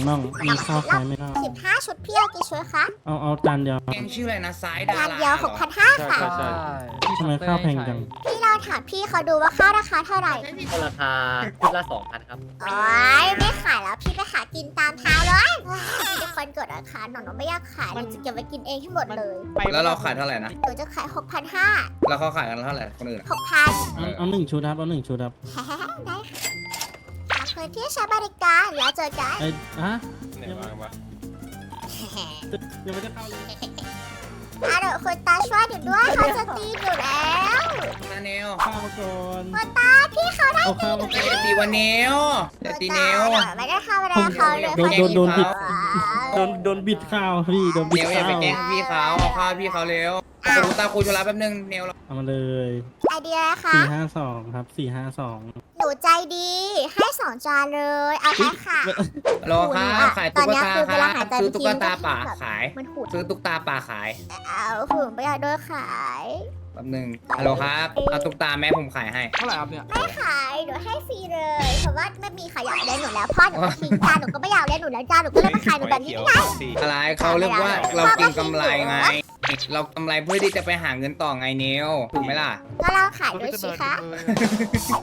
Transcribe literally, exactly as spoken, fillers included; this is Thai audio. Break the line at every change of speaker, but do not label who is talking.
น้องมีข้าวขายไหมน้อง
สิบห้าชุดพี่เอากี่ชุดคะ
เอาเอาจานเดียว
แกงชื่ออะไรนะซ้ายดา
จาน
รา
เดียวหกพันห้าค่ะ
ใช่ใช่
ทำไมข้าวแพงจัง
พี่เราถามพี่เขาดูว่าข้าวราคาเท่าไหร่
ราคาชุดละสองพันครับ
โอ๊ยไม่ขายแล้วพี่ไปหากินตามเท้าเลยพี่เป็นคนกดราคาหนูหนูไม่อยากขายหนูจะเก็บไว้กินเองให้หมดเลย
แล้วเราขายเท่าไหร่นะ
หนูจะขายหกพันห้า
แล้วเขาขายกันเท่าไหร่คนอื่นอะ
หกพัน
เอาเอาหนึ่งชุดครับเอาหนึ่งชุดครับ
ได้ค่ะขอบคุณที่ใช้บริการแล้วเจอกัน
ไอ้อะ
ไหนวางวะ
ยังไม่ได้เข้าเลย
อ่ะเดี๋ยวคุณตาช่วยหนูด้วยเขาจะตีหนูแล้ว
นาเนล
ข้าวมาก่อน
คุณตาพี่เขาได้
เอาข้าวมาก่อน
เดี๋ยวตีวันเนลเดี๋ยวตีเนล
ไม่ได้ทำอะไรเขาเลย
โดนโดนโดนบิด
ว้าว
โดนโดนบิดข้าวพี่โดนบิ
เน
ด
ลอย่า
ข้า
ไป
ว
แกล้งพี่เขาเอาข้าวพี่เขาเร็วคุณตาคุยธุระแป๊บนึงเนล
เอามาเลย
ไอเดียนะคะ
สี่ห้าสองครับสี่ห้าสอง
หนูใจดี ให้สองจานเลย เอาไปค่ะ
ฮัลโหลครับขายตุ๊กตาครับซื้อตุ๊กตาป่าขาย
มันหูด
ซื้อตุ๊กตาป่าขาย
เอาหูดไม่อยากโดนขาย
แป๊บนึงฮัลโหลครับเอาตุ๊กตาแม่ผมขายให้
เท่าไหร่ครับเนี่ย
ไม่ขายหนูให้ฟรีเลย เพราะว่าไม่มีใครอยากเลี้ยงหนูแล้วพ่อหนูก็ทิ้งจานหนูก็ไม่อยากเลี้ยงหนูแล้วจานหนูก็เลยมาขายหนูแบบนี้ไม่ได้
อะไรเขาเรียกว่าเรากินกำไรไง เรากำไรเพื่อที่จะไปหาเงินต่อไงเนลถูกไหมล่ะ
ก็เราขายด้วยสิคะ